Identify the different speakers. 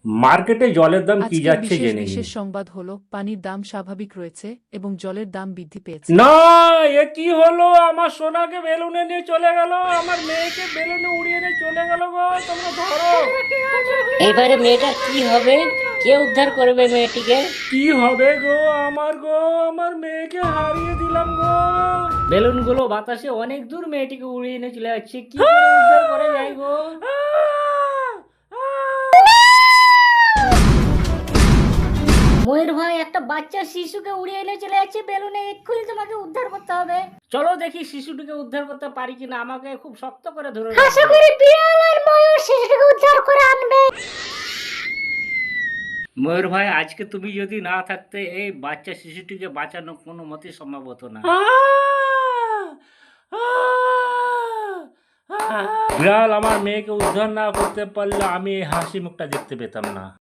Speaker 1: মার্কেটে জলের দাম কি
Speaker 2: আজকের
Speaker 1: যাচ্ছে
Speaker 2: বিশেষ
Speaker 1: জেনে নিন।
Speaker 2: বিশেষ সংবাদ হলো পানির দাম স্বাভাবিক রয়েছে এবং জলের দাম বৃদ্ধি পেয়েছে।
Speaker 1: না, এ কি হলো? আমার সোনাকে বেলুনে নিয়ে চলে গেল, আমার মেয়েকে বেলুনে উড়িয়ে নিয়ে চলে গেল গো, তোমরা ধরো।
Speaker 3: এবারে মেয়েটার কি হবে? কে উদ্ধার করবে মেয়েটিকে?
Speaker 1: কি হবে গো গো, আমার মেয়েকে হারিয়ে দিলাম গো।
Speaker 3: বেলুনগুলো বাতাসে অনেক দূর মেয়েটিকে উড়িয়ে নিয়ে চলে যাচ্ছে, কি করে উদ্ধার করা যায় গো? ময়ূর ভাই, একটা বাচ্চা শিশুকে উড়িয়ে এনে চলে যাচ্ছে বেলুনে, এক্ষুনি তোমাকে উদ্ধার করতে হবে। চলো দেখি শিশুটিকে উদ্ধার করতে পারি কিনা, আমাকে খুব শক্ত করে ধরে আশা করি বিড়াল আর ময়ূর শিশুটিকে উদ্ধার করে আনবে। ময়ূর ভাই, আজকে তুমি যদি না থাকতে এই বাচ্চা শিশুটিকে বাঁচানো কোনো মতে সম্ভব হতো না।
Speaker 1: বিড়াল আমার মেয়েকে উদ্ধার না করতে পারলে আমি এই হাসি মুখটা দেখতে পেতাম না।